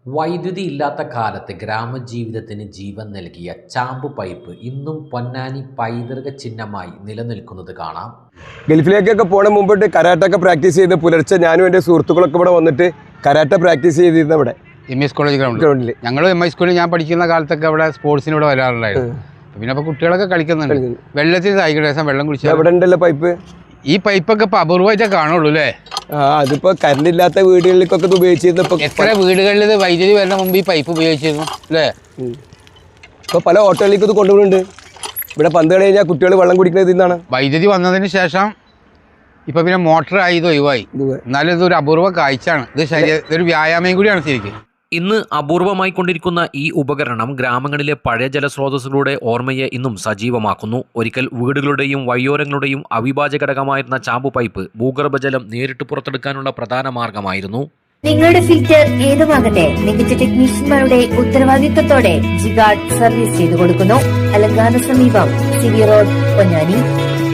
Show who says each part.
Speaker 1: വൈദ്യുതി ഇല്ലാത്ത കാലത്ത് ഗ്രാമജീവിതത്തിന് ജീവൻ നൽകിയ ചാമ്പ് പൈപ്പ് ഇന്നും പൊന്നാനി പൈതൃക ചിഹ്നമായി നിലനിൽക്കുന്നത് കാണാം.
Speaker 2: ഗൾഫിലേക്കൊക്കെ പോണ മുമ്പിട്ട് കരാട്ടൊക്കെ പ്രാക്ടീസ് ചെയ്ത് പുലർച്ചെ ഞാനും എൻ്റെ സുഹൃത്തുക്കളൊക്കെ ഇവിടെ വന്നിട്ട് കരാട്ട പ്രാക്ടീസ് ചെയ്തിരുന്ന ഇവിടെ
Speaker 3: MS കോളേജ് ഗ്രൗണ്ടിൽ ഞങ്ങൾ MS സ്കൂളിൽ ഞാൻ പഠിക്കുന്ന കാലത്തൊക്കെ അവിടെ സ്പോർട്സിന് ഇവിടെ വരാറുണ്ടായിരുന്നു. പിന്നെ അപ്പോൾ കുട്ടികളൊക്കെ കളിക്കുന്നുണ്ട്. വെള്ളത്തിൽ ഏകദേശം വെള്ളം കുടിച്ചാൽ
Speaker 2: ഇവിടെ ഉണ്ടല്ലോ പൈപ്പ്.
Speaker 3: ഈ പൈപ്പൊക്കെ ഇപ്പോൾ അപൂർവമായിട്ടേ കാണുള്ളൂ അല്ലേ?
Speaker 2: അതിപ്പോൾ കറണ്ട് ഇല്ലാത്ത വീടുകളിലേക്കൊക്കെ ഇത് ഉപയോഗിച്ചിരുന്നു.
Speaker 3: എത്ര വീടുകളിൽ ഇത് വൈദ്യുതി വരുന്ന മുമ്പ് ഈ പൈപ്പ് ഉപയോഗിച്ചിരുന്നു അല്ലേ?
Speaker 2: ഇപ്പോൾ പല ഹോട്ടലിലേക്കും ഇത് കൊണ്ടുപോകുന്നുണ്ട്. ഇവിടെ പന്ത് കളി കഴിഞ്ഞാൽ കുട്ടികൾ വെള്ളം കുടിക്കുന്നത് ഇന്നാണ്.
Speaker 3: വൈദ്യുതി വന്നതിന് ശേഷം ഇപ്പം പിന്നെ മോട്ടറായി ഇത് ഒഴിവായി. എന്നാലും ഇതൊരു അപൂർവ കാഴ്ചയാണ്. ഇതൊരു വ്യായാമം കൂടിയാണ് ശരിക്കും.
Speaker 1: ഇന്ന് അപൂർവമായി കൊണ്ടിരിക്കുന്ന ഈ ഉപകരണം ഗ്രാമങ്ങളിലെ പഴയ ജലസ്രോതസ്സുകളുടെ ഓർമ്മയെ ഇന്നും സജീവമാക്കുന്നു. ഒരിക്കൽ വീടുകളുടെയും വഴിയോരങ്ങളുടെയും അവിഭാജ്യ ഘടകമായിരുന്ന ചാമ്പു പൈപ്പ് ഭൂഗർഭജലം നേരിട്ട് പുറത്തെടുക്കാനുള്ള പ്രധാന മാർഗമായിരുന്നു.
Speaker 4: നിങ്ങളുടെ ഫിൽറ്റർ ഏതുമാകട്ടെ മികച്ച ടെക്നീഷ്യന്മാരുടെ ഉത്തരവാദിത്വത്തോടെ ജിഗാർഡ് സർവീസ് ചെയ്തു കൊടുക്കുന്നു. അലങ്കാന സമീപം സിവി റോഡ്, പൊന്നാനി.